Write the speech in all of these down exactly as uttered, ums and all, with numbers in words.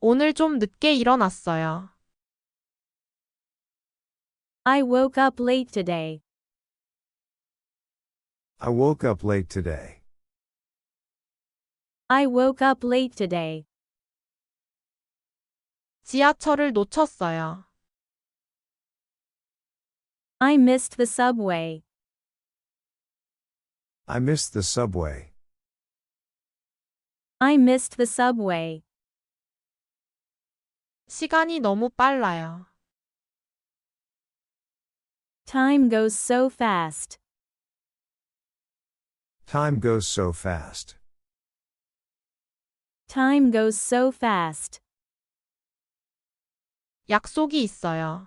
오늘 좀 늦게 일어났어요. I woke up late today. I woke up late today. I woke up late today. 지하철을 놓쳤어요. I missed the subway. I missed the subway. I missed the subway. 시간이 너무 빨라요. Time goes so fast. Time goes so fast. Time goes so fast. 약속이 있어요.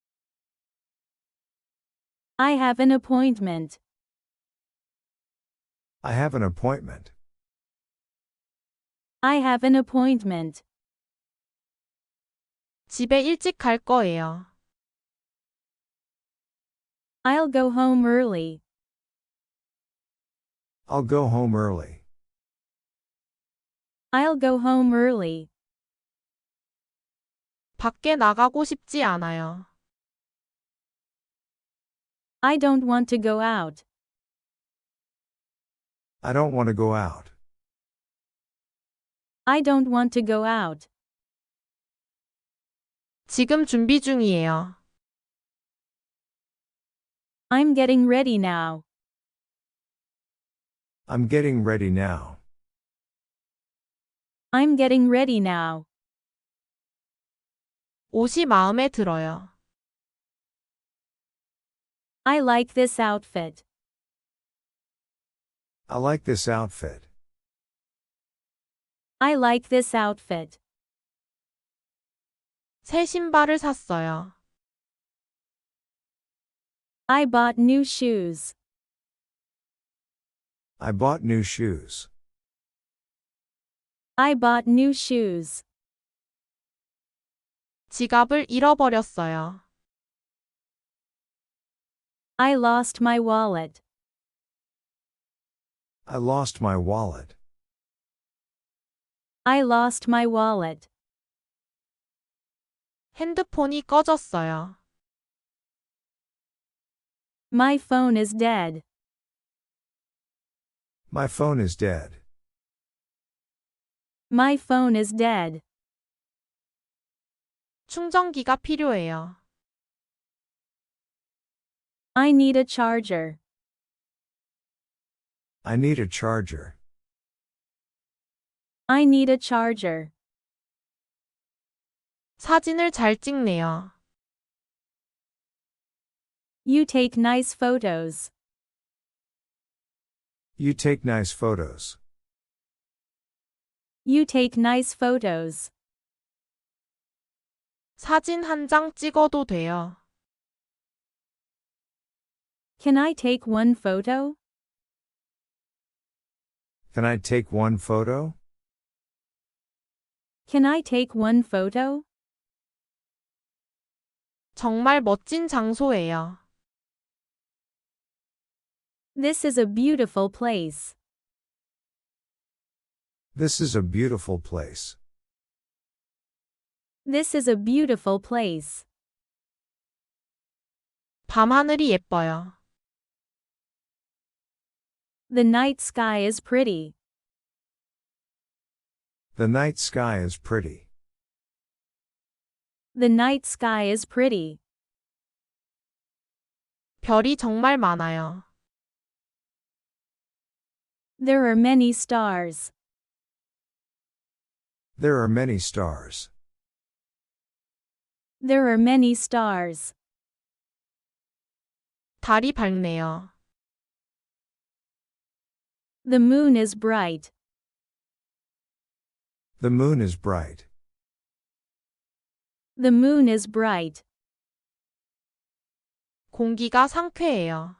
I have an appointment. I have an appointment. I have an appointment. 집에 일찍 갈 거예요. I'll go home early. I'll go home early. I'll go home early. 밖에 나가고 싶지 않아요. I don't want to go out. I don't want to go out. I don't want to go out. 지금 준비 중이에요. I'm getting ready now. I'm getting ready now. I'm getting ready now. 옷이 마음에 들어요. I like this outfit. I like this outfit. I like this outfit. 새 신발을 샀어요. I bought new shoes. I bought new shoes. I bought new shoes. 지갑을 잃어버렸어요. I lost my wallet. I lost my wallet. I lost my wallet. 핸드폰이 꺼졌어요. My phone is dead. My phone is dead. My phone is dead. 충전기가 필요해요. I need a charger. I need a charger. I need a charger. 사진을 잘 찍네요. You take nice photos. You take nice photos. You take nice photos. 사진 한 장 찍어도 돼요. Can I take one photo? Can I take one photo? Can I take one photo? 정말 멋진 장소예요. This is a beautiful place. This is a beautiful place. This is a beautiful place. 밤하늘이 예뻐요. The night sky is pretty. The night sky is pretty. The night sky is pretty. 별이 정말 많아요. There are many stars. There are many stars. There are many stars. 달이 밝네요. The moon is bright. The moon is bright. The moon is bright. 공기가 상쾌해요.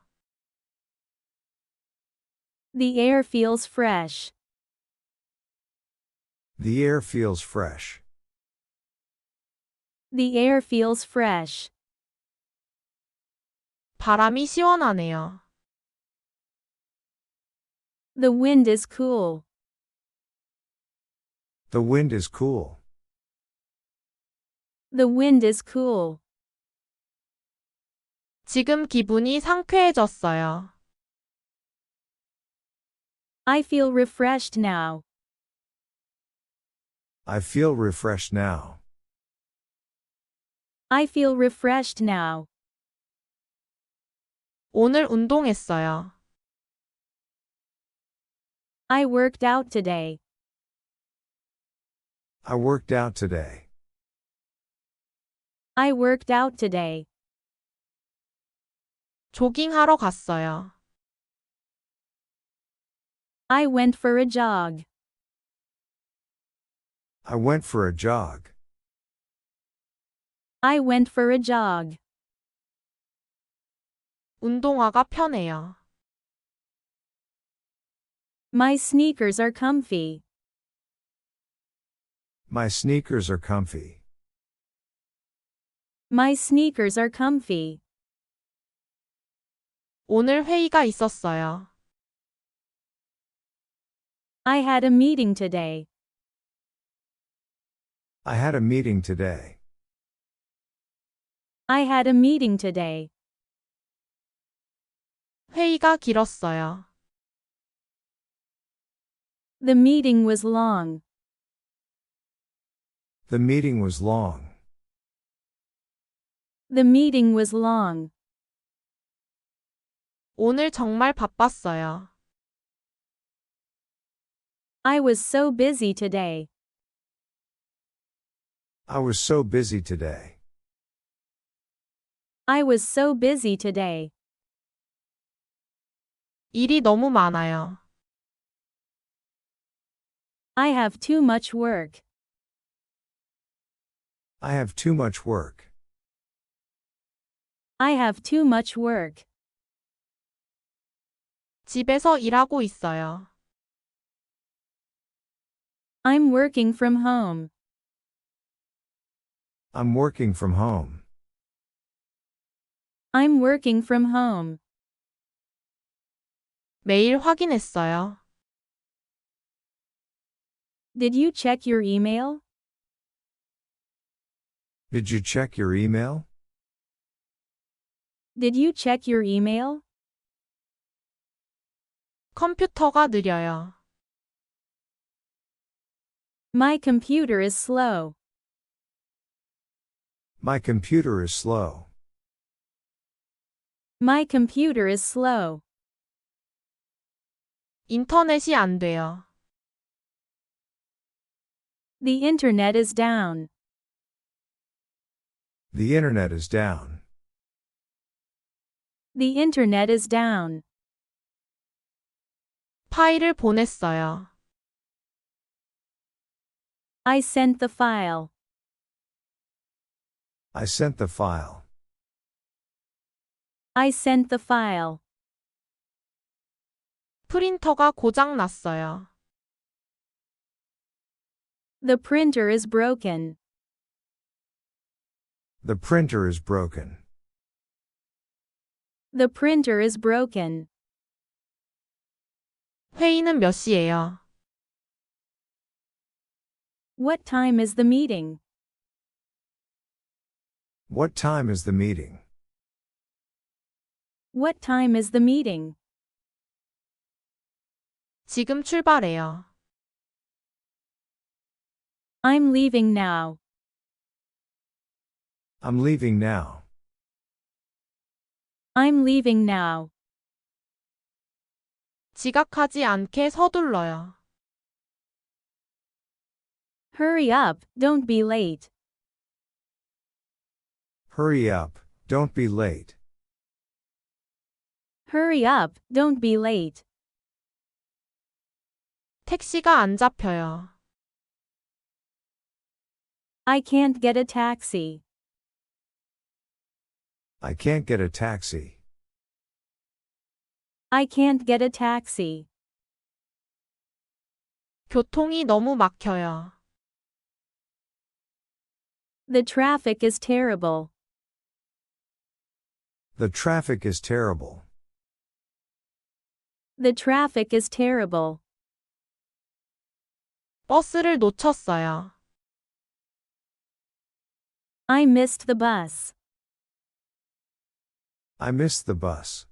The air feels fresh. The air feels fresh. The air feels fresh. 바람이 시원하네요. The wind is cool. The wind is cool. The wind is cool. 지금 기분이 상쾌해졌어요. I feel refreshed now. I feel refreshed now. I feel refreshed now. 오늘 운동했어요. I worked out today. I worked out today. I worked out today. 조깅하러 갔어요. I went for a jog. I went for a jog. I went for a jog. 운동화가 편해요. My sneakers are comfy. My sneakers are comfy. My sneakers are comfy. 오늘 회의가 있었어요. I had a meeting today. I had a meeting today. I had a meeting today. 회의가 길었어요. The meeting was long. The meeting was long. The meeting was long. 오늘 정말 바빴어요. I was so busy today. I was so busy today. I was so busy today. 일이 너무 많아요. I have too much work. I have too much work. I have too much work. 집에서 일하고 있어요. I'm working from home. I'm working from home. I'm working from home. 메일 확인했어요. Did you check your email? Did you check your email? Did you check your email? 컴퓨터가 느려요. My computer is slow. My computer is slow. My computer is slow. 인터넷이 안 돼요. The internet is down. The internet is down. The internet is down. 파일을 보냈어요. I sent the file. I sent the file. I sent the file. 프린터가 고장 났어요. The printer is broken. The printer is broken. The printer is broken. 회의는 몇 시예요? What time is the meeting? What time is the meeting? What time is the meeting? 지금 출발해요. I'm leaving now. I'm leaving now. I'm leaving now. 지각하지 않게 서둘러요. Hurry up, don't be late. Hurry up, don't be late. Hurry up, don't be late. 택시가 안 잡혀요. I can't get a taxi. I can't get a taxi. I can't get a taxi. 교통이 너무 막혀요. The traffic is terrible. The traffic is terrible. The traffic is terrible. 버스를 놓쳤어요. I missed the bus. I missed the bus.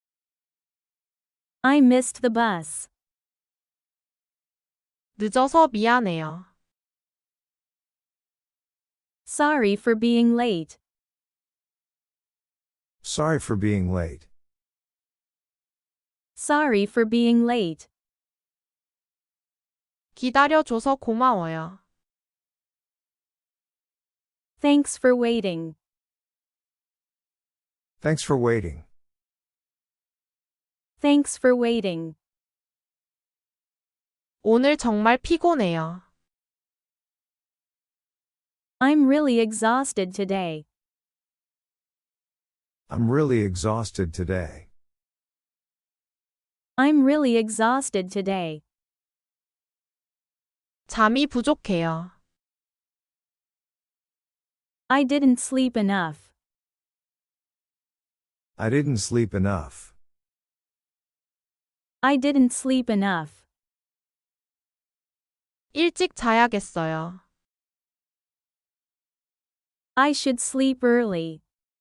I missed the bus. 늦어서 미안해요. Sorry for being late. Sorry for being late. Sorry for being late. 기다려줘서 고마워요. Thanks for waiting. Thanks for waiting. Thanks for waiting. 오늘 정말 피곤해요. I'm really exhausted today. I'm really exhausted today. I'm really exhausted today. 잠이 부족해요. I didn't sleep enough. I didn't sleep enough. I didn't sleep enough. 일찍 자야겠어요. I should sleep early.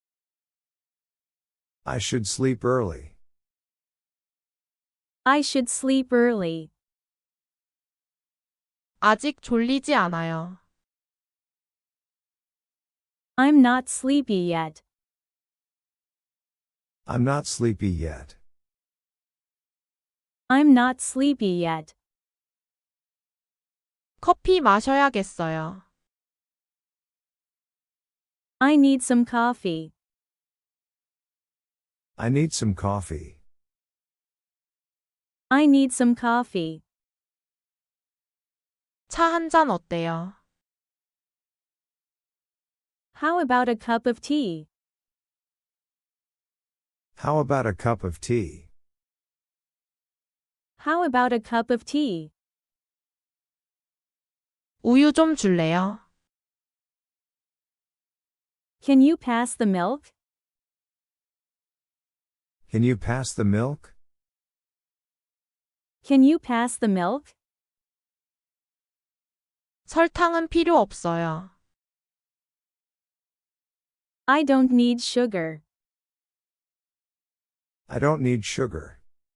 I should sleep early. I should sleep early. 아직 졸리지 않아요. I'm not sleepy yet. I'm not sleepy yet. I'm not sleepy yet. 커피 마셔야겠어요. I need some coffee. I need some coffee. I need some coffee. 차 한 잔 어때요? How about a cup of tea? How about a cup of tea? How about a cup of tea? 우유 좀 줄래요? Can you pass the milk? Can you pass the milk? Can you pass the milk? 설탕은 필요 없어요. I don't need sugar. I don't need sugar.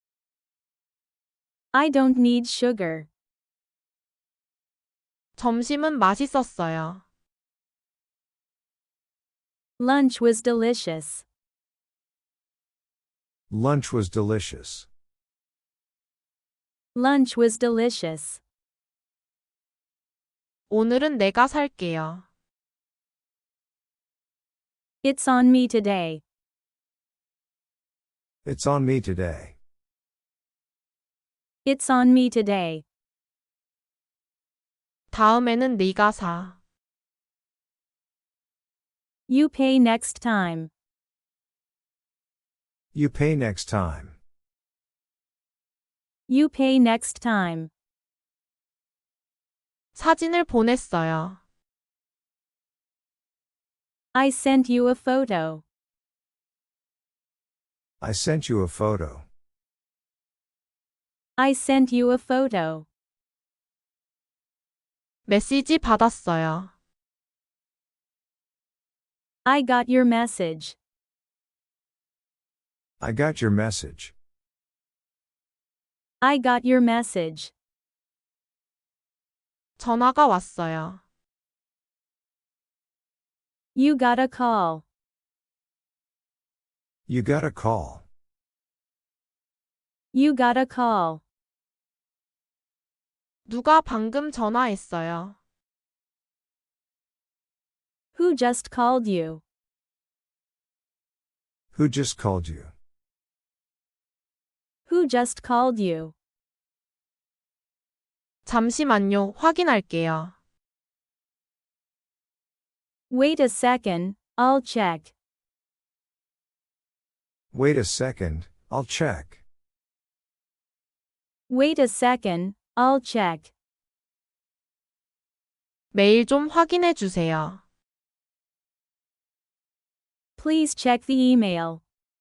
I don't need sugar. 점심은 맛있었어요. Lunch was delicious. Lunch was delicious. Lunch was delicious. 오늘은 내가 살게요. It's on me today. It's on me today. It's on me today. 다음에는 네가 사. You pay next time. You pay next time. You pay next time. 사진을 보냈어요. I sent you a photo. I sent you a photo. I sent you a photo. 메시지 받았어요. I got your message. I got your message. I got your message. 전화가 왔어요. You got a call. You got a call. You got a call. 누가 방금 전화했어요. Who just called you? Who just called you? Who just called you? 잠시만요, 확인할게요. Wait a second, I'll check. Wait a second, I'll check. Wait a second, I'll check. 메일 좀 확인해 주세요. Please check the email.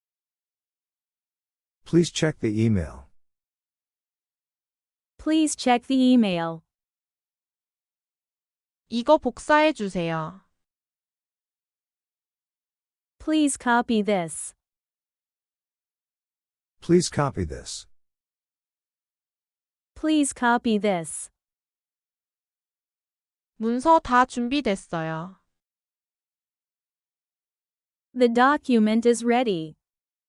Please check the email. Please check the email. 이거 복사해 주세요. Please copy this. Please copy this. Please copy this. 문서 다 준비됐어요. The document is ready.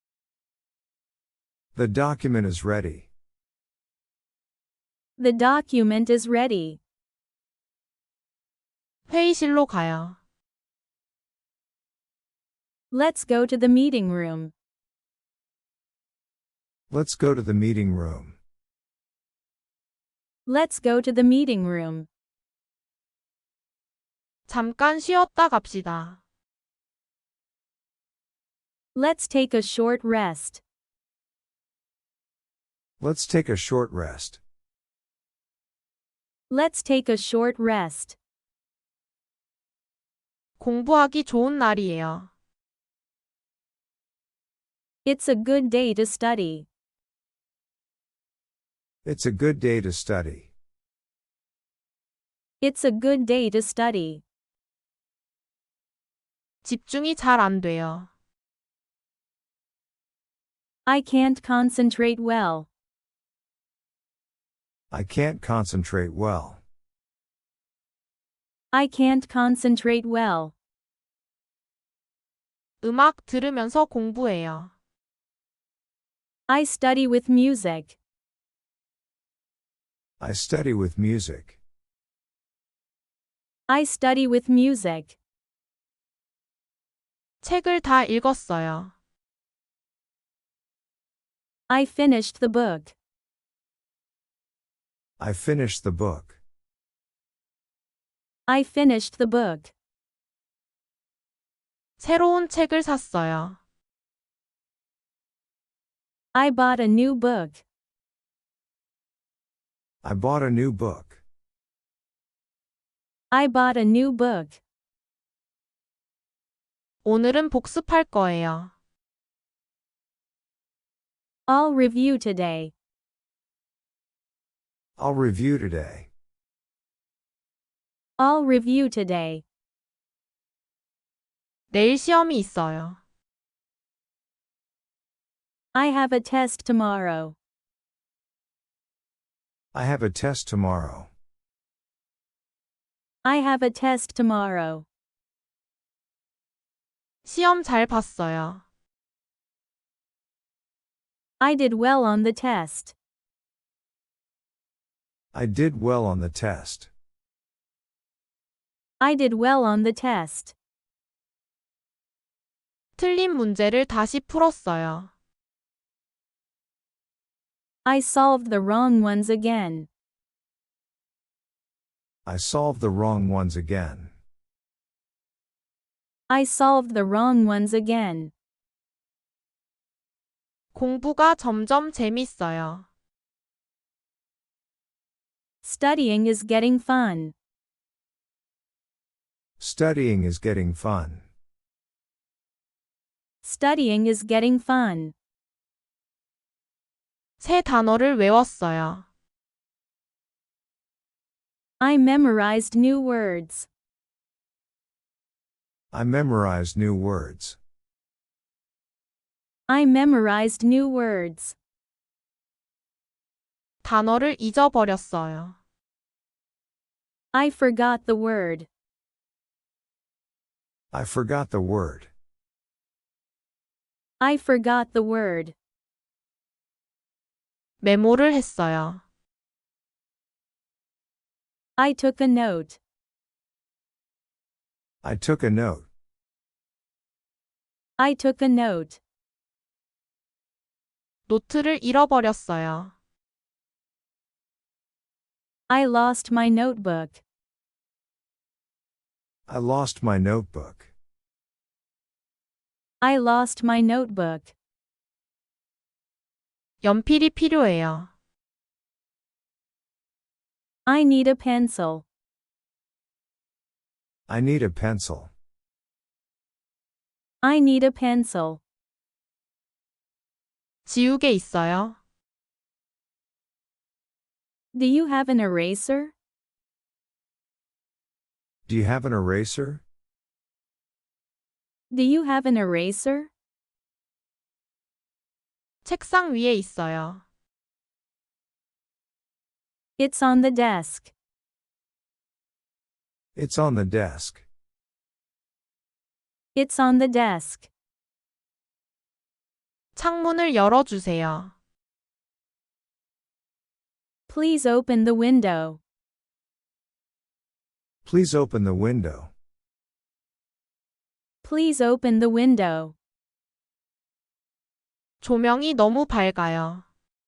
The document is ready. The document is ready. 회의실로 가요. Let's go to the meeting room. Let's go to the meeting room. Let's go to the meeting room. 잠깐 쉬었다 갑시다. Let's take a short rest. Let's take a short rest. Let's take a short rest. 공부하기 좋은 날이에요. It's a good day to study. It's a good day to study. It's a good day to study. 집중이 잘 안 돼요. I can't concentrate well. I can't concentrate well. I can't concentrate well. 음악 들으면서 공부해요. I study with music. I study with music. I study with music. 책을 다 읽었어요. I finished the book. I finished the book. I finished the book. 새로운 책을 샀어요. I bought a new book. I bought a new book. I bought a new book. 오늘은 복습할 거예요. I'll review today. I'll review today. I'll review today. 내일 시험이 있어요. I have a test tomorrow. I have a test tomorrow. I have a test tomorrow. 시험 잘 봤어요. I did well on the test. I did well on the test. I did well on the test. 틀린 문제를 다시 풀었어요. I solved the wrong ones again. I solved the wrong ones again. I solved the wrong ones again. 공부가 점점 재밌어요. Studying is getting fun. Studying is getting fun. Studying is getting fun. 새 단어를 외웠어요. I memorized new words. I memorized new words. I memorized new words. 단어를 잊어버렸어요. I forgot the word. I forgot the word. I forgot the word. 메모를 했어요. I took a note. I took a note. I took a note. 노트를 잃어버렸어요. I lost my notebook. I lost my notebook. I lost my notebook. 연필이 필요해요. I need a pencil. I need a pencil. I need a pencil. 지우개 있어요? Do you have an eraser? Do you have an eraser? Do you have an eraser? 책상 위에 있어요. It's on the desk. It's on the desk. It's on the desk. 창문을 열어주세요. Please open the window. Please open the window. Please open the window. 조명이 너무 밝아요.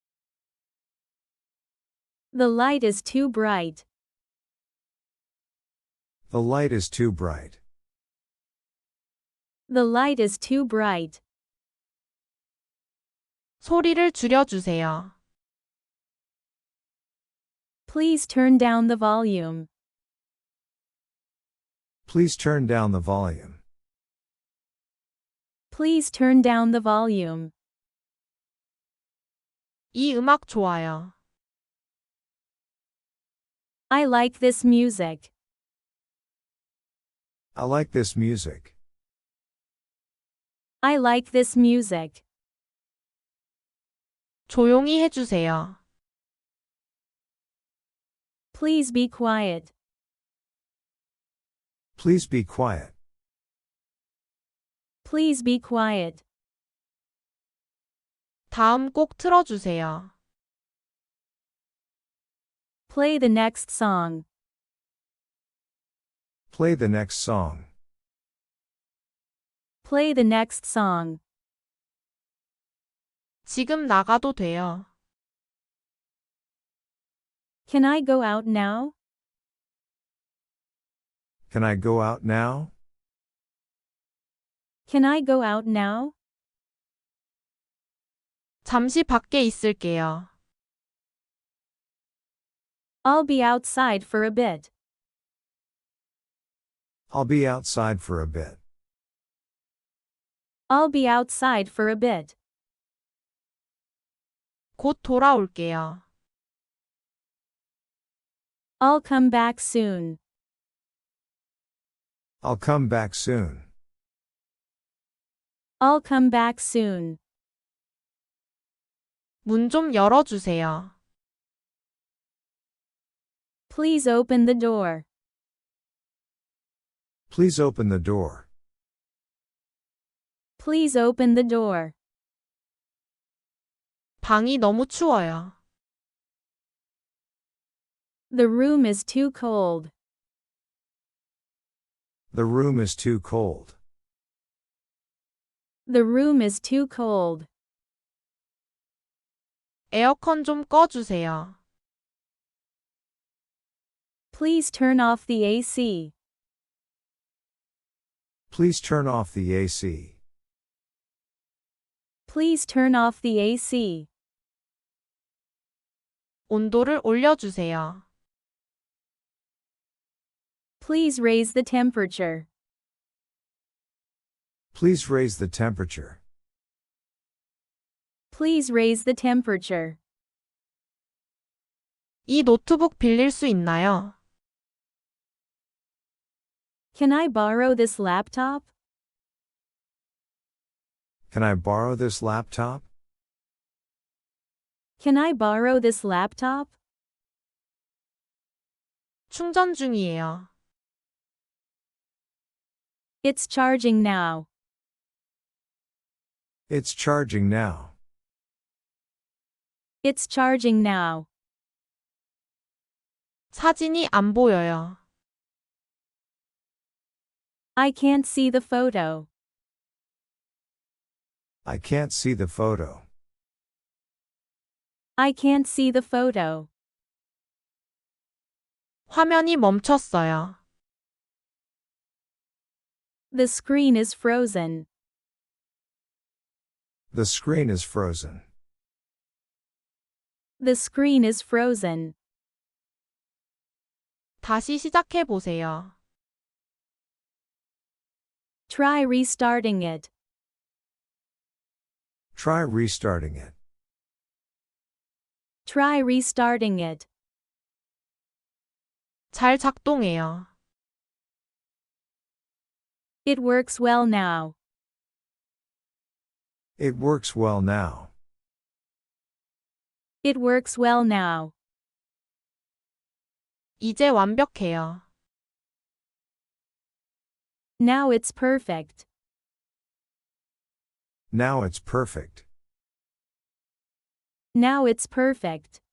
The light is too bright. The light is too bright. The light is too bright. 소리를 줄여주세요. Please turn down the volume. Please turn down the volume. Please turn down the volume. 이 음악 좋아요. I like this music. I like this music. I like this music. 조용히 해주세요. Please be quiet. Please be quiet. Please be quiet. 다음 곡 틀어주세요. Play the next song. Play the next song. Play the next song. 지금 나가도 돼요. Can I go out now? Can I go out now? Can I go out now? 잠시 밖에 있을게요. I'll be outside for a bit. I'll be outside for a bit. I'll be outside for a bit. 곧 돌아올게요. I'll come back soon. I'll come back soon. I'll come back soon. 문 좀 열어주세요. Please open the door. Please open the door. Please open the door. 방이 너무 추워요. The room is too cold. The room is too cold. The room is too cold. 에어컨 좀 꺼주세요. Please turn off the A C. Please turn off the A C. Please turn off the A C. 온도를 올려주세요. Please raise the temperature. Please raise the temperature. Please raise the temperature. 이 노트북 빌릴 수 있나요? Can I borrow this laptop? Can I borrow this laptop? Can I borrow this laptop? 충전 중이에요. It's charging now. It's charging now. It's charging now. 사진이 안 보여요. I can't see the photo. I can't see the photo. I can't see the photo. 화면이 멈췄어요. The screen is frozen. The screen is frozen. The screen is frozen. 다시 시작해 보세요. Try restarting it. Try restarting it. Try restarting it. 잘 작동해요. It works well now. It works well now. It works well now. 이제 완벽해요. Now it's perfect. Now it's perfect. Now it's perfect.